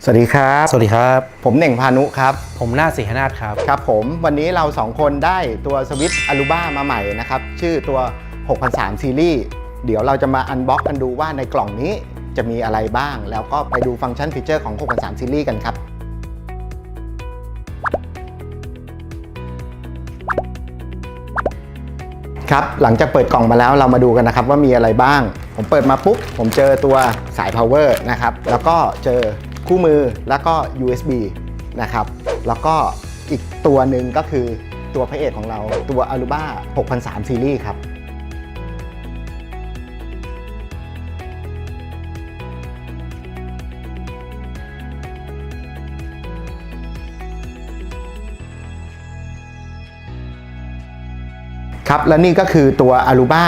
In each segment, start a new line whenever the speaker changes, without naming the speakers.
สวัสดีครับ
สวัสดีครับ
ผมเน่งพานุครับ
ผมนาฏศรีหนาถครับ
ครับผมวันนี้เรา2คนได้ตัวสวิตช์อารูบ้ามาใหม่นะครับชื่อตัว6003ซีรีส์เดี๋ยวเราจะมาอันบ็อกกันดูว่าในกล่องนี้จะมีอะไรบ้างแล้วก็ไปดูฟังก์ชันฟีเจอร์ของ6003ซีรีส์กันครับครับหลังจากเปิดกล่องมาแล้วเรามาดูกันนะครับว่ามีอะไรบ้างผมเปิดมาปุ๊บผมเจอตัวสาย power นะครับแล้วก็เจอคู่มือแล้วก็ USB นะครับแล้วก็อีกตัวหนึ่งก็คือตัวพระเอกของเราตัว Aruba 6003 Series ครับครับและนี่ก็คือตัว Aruba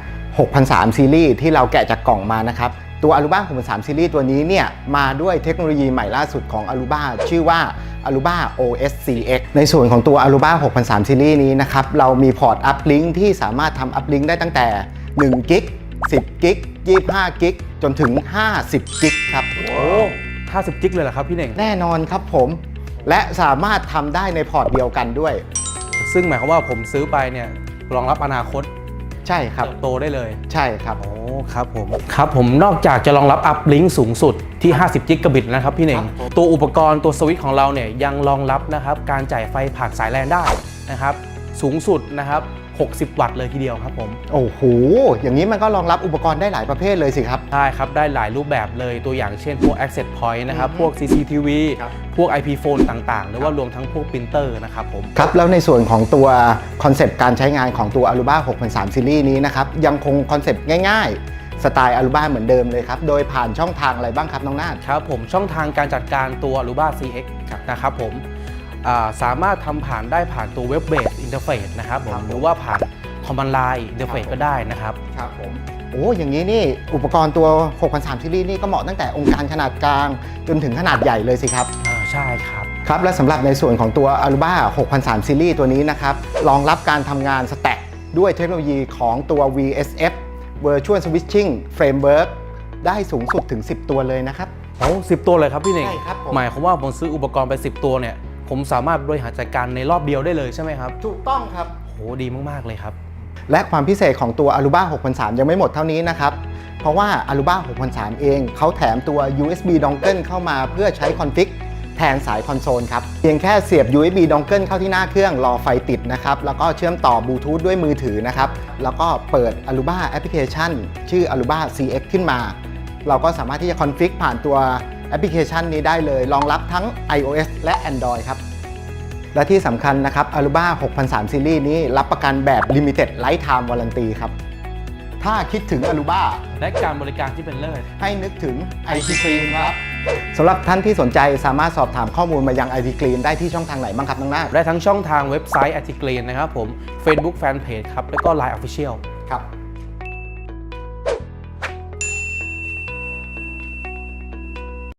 6003 Series ที่เราแกะจากกล่องมานะครับตัว Aruba 6003 Series ตัวนี้เนี่ยมาด้วยเทคโนโลยีใหม่ล่าสุดของ Aruba ชื่อว่า Aruba OS CX ในส่วนของตัว Aruba 6003 Series นี้นะครับเรามีพอร์ต Uplink ที่สามารถทำ Uplink ได้ตั้งแต่1 กิก10 กิก25 กิกจนถึง50 กิกครับ
โอ้50 กิกเลยเหรอครับพี่เน่ง
แน่นอนครับผมและสามารถทำได้ในพอร์ตเดียวกันด้วย
ซึ่งหมายความว่าผมซื้อไปเนี่ยรองรับอนาคต
ใช่ครับ
โตได้เลย
ใช่ครับ
โอ้ครับผมนอกจากจะรองรับ Uplink สูงสุดที่50 กิกะบิตนะครับพี่เน่งตัวอุปกรณ์ตัวสวิตช์ของเราเนี่ยยังรองรับนะครับการจ่ายไฟผ่านสายแลนได้นะครับสูงสุดนะครับ60 วัตต์เลยทีเดียวครับผม
โอ้โหอย่างนี้มันก็รองรับอุปกรณ์ได้หลายประเภทเลยสิครับ
ใช่ครับได้หลายรูปแบบเลยตัวอย่างเช่นพวก Access Point นะครับพวก CCTV พวก IP Phone ต่างๆหรือว่ารวมทั้งพวก Printer นะครับผม
ครับแล้วในส่วนของตัวคอนเซปต์การใช้งานของตัว Aruba 6003 Series นี้นะครับยังคงคอนเซปต์ง่ายๆสไตล์ Aruba เหมือนเดิมเลยครับโดยผ่านช่องทางอะไรบ้างครับน้องนาฏ
ครับผมช่องทางการจัดการตัว Aruba CX นะครับผมสามารถทำผ่านได้ผ่านตัว Web Based Interface นะครับผมหรือว่าผ่านCommand Line Interface ก็ได้นะครับ
ครับผมโอ้อย่างนี้นี่อุปกรณ์ตัว6003 Series นี่ก็เหมาะตั้งแต่องค์การขนาดกลางจนถึงขนาดใหญ่เลยสิครับ
ใช่ครับ
ครับและสำหรับในส่วนของตัว Aruba 6003 Series ตัวนี้นะครับรองรับการทำงานสแต็กด้วยเทคโนโลยีของตัว VSF Virtual Switching Framework ได้สูงสุดถึง10 ตัวเลยนะครับ
โอ้10 ตัวเลยครับพี่เน่ง
ใช่ครับ
หมายความว่าผมซื้ออุปกรณ์ไป10 ตัวเนี่ยผมสามารถบริหารจัดการในรอบเดียวได้เลยใช่ไหมครับ
ถูกต้องครับ
โหดีมากๆเลยครับ
และความพิเศษของตัว Aruba 6003 ยังไม่หมดเท่านี้นะครับเพราะว่า Aruba 6003 เองเขาแถมตัว USB Dongle เข้ามาเพื่อใช้คอนฟิกแทนสายคอนโซลครับเพียงแค่เสียบ USB Dongle เข้าที่หน้าเครื่องรอไฟติดนะครับแล้วก็เชื่อมต่อบลูทูธด้วยมือถือนะครับแล้วก็เปิด Aruba Application ชื่อ Aruba CX ขึ้นมาเราก็สามารถที่จะคอนฟิกผ่านตัวแอปพลิเคชันนี้ได้เลยรองรับทั้ง iOS และ Android ครับและที่สำคัญนะครับ Aruba 6003 Series นี้รับประกันแบบ Limited Lifetime Warranty ครับถ้าคิดถึง Aruba
และการบริการที่เป็นเลิศ
ให้นึกถึง IT Clean ครับสำหรับท่านที่สนใจสามารถสอบถามข้อมูลมายัง IT Clean ได้ที่ช่องทางไหนบ้างครับน้องนาฏ
ได้ทั้งช่องทางเว็บไซต์ IT Clean นะครับผม Facebook Fanpage ครับแล้วก็ Line Official
ครับ